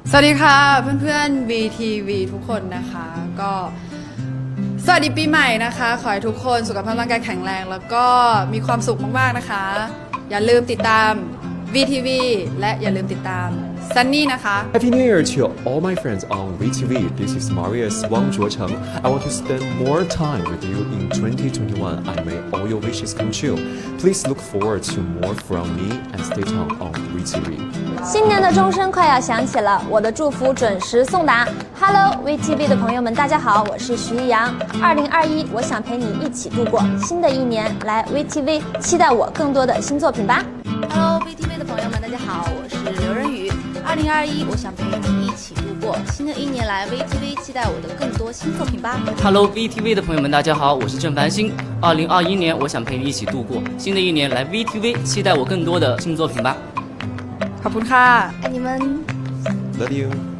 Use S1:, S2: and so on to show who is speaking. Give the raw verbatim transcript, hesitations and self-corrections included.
S1: สวัสดีค่ะเพื่อนๆ วี ที วี ทุกคนนะคะก็สวัสดีปีใหม่นะคะขอให้ทุกคนสุขภาพร่างกายแข็งแรงแล้วก็มีความสุขมากๆนะคะอย่าลืมติดตาม วี ที วี และอย่าลืมติดตามซันนี่นะคะ
S2: Happy New Year to all my friends on วี ที วี This is Marius Wang Zhuocheng. I want to spend more time with you in twenty twenty-one. I may all your wishes come true. Please look forward to more from me and stay tuned on วี ที วี.
S3: 新年的钟声快要响起了，我的祝福准时送达。Hello， วี ที วี 的朋友们，大家好，我是徐艺洋。二零二一，我想陪你一起度过新的一年，来 วี ที วี 期待我更多的新作品吧。
S4: Hello， วี ที วี 的朋友们，大家好，我是刘仁宇。二零二一，我想陪你一起度过新的一年，来 วี ที วี 期待我的更多新作品吧。
S5: Hello， วี ที วี 的朋友们，大家好，我是郑繁星。二零二一年，我想陪你一起度过新的一年，来 วี ที วี 期待我更多的新作品吧。
S1: ขอบคุณค่ะ
S4: 爱你们。
S2: Love you.